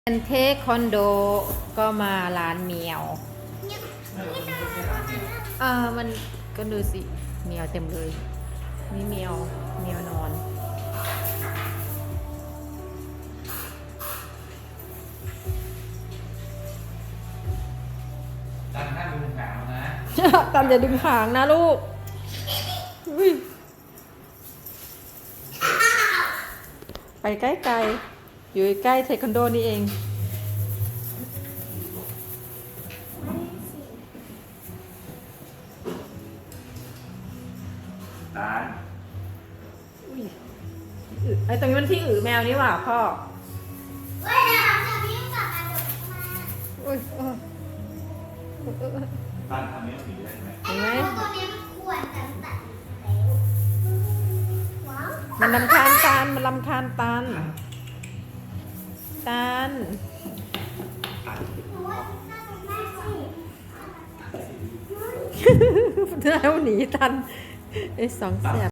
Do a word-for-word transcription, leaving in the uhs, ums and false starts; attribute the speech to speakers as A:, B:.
A: เป็นเทคคอนโดก็มาร้านเมียวอ่ามันก็ดูสิเมียวเต็มเลยนี่เมียวเมียวนอน
B: ตันถ้าดึงหางนะ
A: ตันอย่าดึงหางนะลูกอุ๊ยไปใกล้ๆอยู่ใกล้เทคคอนโดนี่เอง
B: ตาล
A: ไอ้ตรงนี้มันที่อือแมวนี่หว่าพ่อเฮ้ยเดี๋ยวจะวิ่งกลับมาเดี๋ยวมาอุ้ยเออ
B: ตันทำนี้สีได้ไหม
A: เห็นไหม
C: ตัวนี้มันควรกันแต่ว้าว
A: มันลำคาญตันมันลำคาญตันตัน
C: โอ้ยน่าสนใจสิ
A: แล้วหนีตันไอ้สองแสบ